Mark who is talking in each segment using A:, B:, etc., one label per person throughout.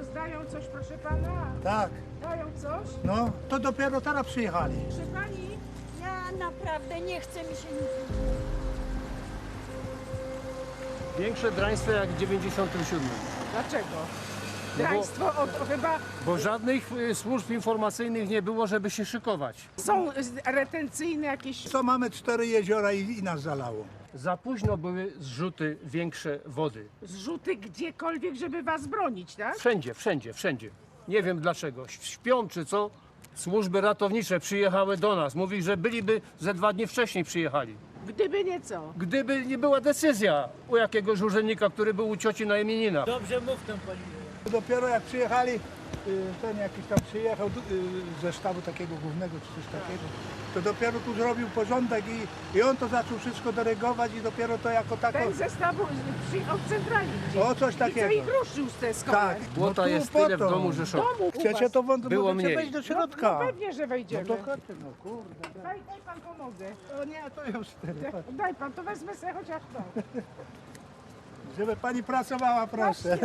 A: rozdają coś, proszę pana?
B: Tak,
A: Dają coś?
B: no to dopiero teraz przyjechali.
A: Proszę pani?
C: Ja naprawdę nie chcę mi się nic mówić.
D: Większe draństwo jak w 97.
A: Dlaczego?
D: No bo-
A: Draństwo chyba
D: Bo żadnych służb informacyjnych nie było, żeby się szykować.
A: są retencyjne jakieś...
B: Co mamy 4 jeziora i nas zalało.
D: Za późno były zrzuty większe wody.
A: Zrzuty gdziekolwiek, żeby was bronić, tak?
D: Wszędzie, wszędzie, wszędzie. Nie wiem dlaczego. Śpią czy co? Służby ratownicze przyjechały do nas. Mówi, że byliby ze 2 dni wcześniej przyjechali.
A: Gdyby nie co.
D: Gdyby nie była decyzja u jakiegoś urzędnika, który był u cioci na imieninach.
B: Dopiero jak przyjechali, ten jakiś tam przyjechał ze sztabu takiego głównego czy coś takiego, to dopiero tu zrobił porządek i on to zaczął wszystko dyrygować i dopiero to jako tako...
A: Ten zestaw przyjechał z centrali gdzieś.
B: O, coś
A: I co
B: takiego.
A: ich ruszył z tej szkoły?
B: Tak.
D: Błota
B: tu
D: jest
B: po
D: tyle w
B: to.
D: domu, że szok.
A: Domu u
B: Chcecie
A: was.
B: to
D: Było
B: możecie
D: mniej.
B: wejść do
A: No
B: środka.
A: pewnie, że
B: No
A: wejdziemy.
B: to chodźcie, no kurde.
A: Daj pan pomogę.
B: O nie, to już
A: Daj pan, to wezmę sobie chociaż to.
B: Żeby pani pracowała, proszę.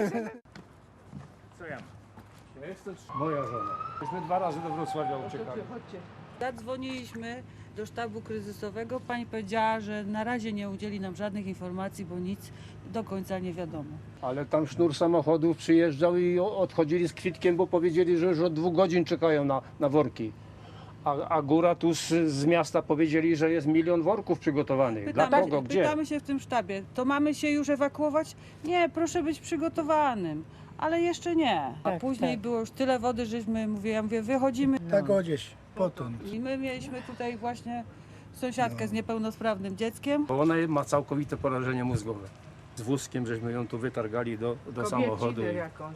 D: Co ja mam? Ja jestem moja żona. Myśmy 2 razy do Wrocławia uciekali.
A: Chodźcie.
E: Zadzwoniliśmy do sztabu kryzysowego. Pani powiedziała, że na razie nie udzieli nam żadnych informacji, bo nic do końca nie wiadomo.
D: Ale tam sznur samochodów przyjeżdżał i odchodzili z kwitkiem, bo powiedzieli, że już od 2 godzin czekają na worki. A góra tu z miasta powiedzieli, że jest 1 000 000 worków przygotowanych. Dla kogo? Gdzie?
E: Pytamy się w tym sztabie, to mamy się już ewakuować? Nie, proszę być przygotowanym. Ale jeszcze nie. A później było już tyle wody, żeśmy, ja mówię, wychodzimy.
B: Tak o gdzieś, potąd.
E: I my mieliśmy tutaj właśnie sąsiadkę z niepełnosprawnym dzieckiem.
D: Bo ona ma całkowite porażenie mózgowe. Z wózkiem żeśmy ją tu wytargali do samochodu.
A: Kobiecinę jakąś.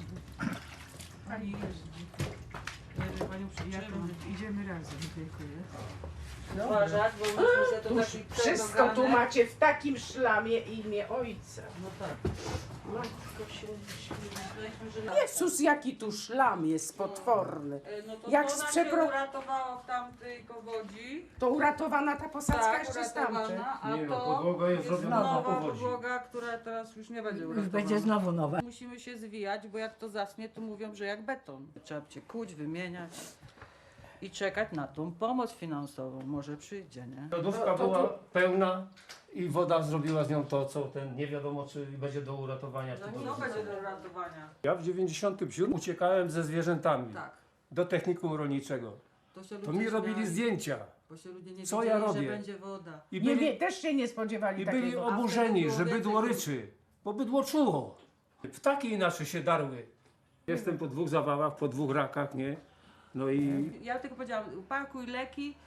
A: Pani jeździ.
E: Panią
A: Idziemy razem, dziękuję.
E: uważać, bo myśmy to taki
A: Wszystko tu macie w takim szlamie imię ojca.
E: No tak.
A: Matko się
E: Myśleliśmy, że
A: Jezus, jaki tu szlam jest potworny.
E: No to
A: Jak
E: to
A: z
E: ona
A: przepro-
E: się uratowała w tamtej powodzi.
A: To uratowana ta posadzka
E: Tak,
A: jeszcze stamtąd.
E: uratowana, a
D: Nie no,
E: to
D: podłoga jest zrobiona na
E: nowa
D: powodzi.
E: podłoga, która teraz już nie będzie
F: Już
E: uratowana.
F: będzie znowu nowa.
E: Musimy się zwijać, bo jak to zasnie, to mówią, że jak beton. Trzeba cię kuć, wymieniać i czekać na tą pomoc finansową. Może przyjdzie, nie?
D: Lodówka była pełna i woda zrobiła z nią to, co ten nie wiadomo, czy będzie do uratowania. Czy do
E: No będzie do uratowania.
D: Ja w 97 uciekałem ze zwierzętami
E: Tak.
D: do technikum rolniczego.
E: To się
D: To
E: ludzie
D: mi robili
E: śmiali,
D: zdjęcia
E: bo się ludzie nie
D: Co
E: wiedzieli,
D: ja robię?
E: że będzie woda.
D: i
A: Nie,
D: byli,
A: nie, też się nie spodziewali
D: i byli
A: takiego.
D: oburzeni,
E: było
D: że
E: więcej
D: bydło
E: ludzi.
D: ryczy, bo bydło czuło. Ptaki inaczej się darły. Jestem po 2 zawałach, po 2 rakach, nie? No i
E: Ja tylko powiedziałam, upakuj leki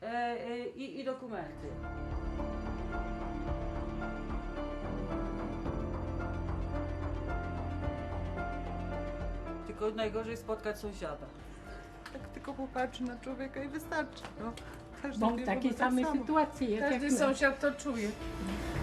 E: i dokumenty. Tylko najgorzej spotkać sąsiada. Tak tylko popatrzy na człowieka i wystarczy. No, każdy
F: Mam
E: wie,
F: takie
E: bo tak
F: same
E: samo.
F: sytuacje jak
A: Każdy
F: my.
A: sąsiad to czuje.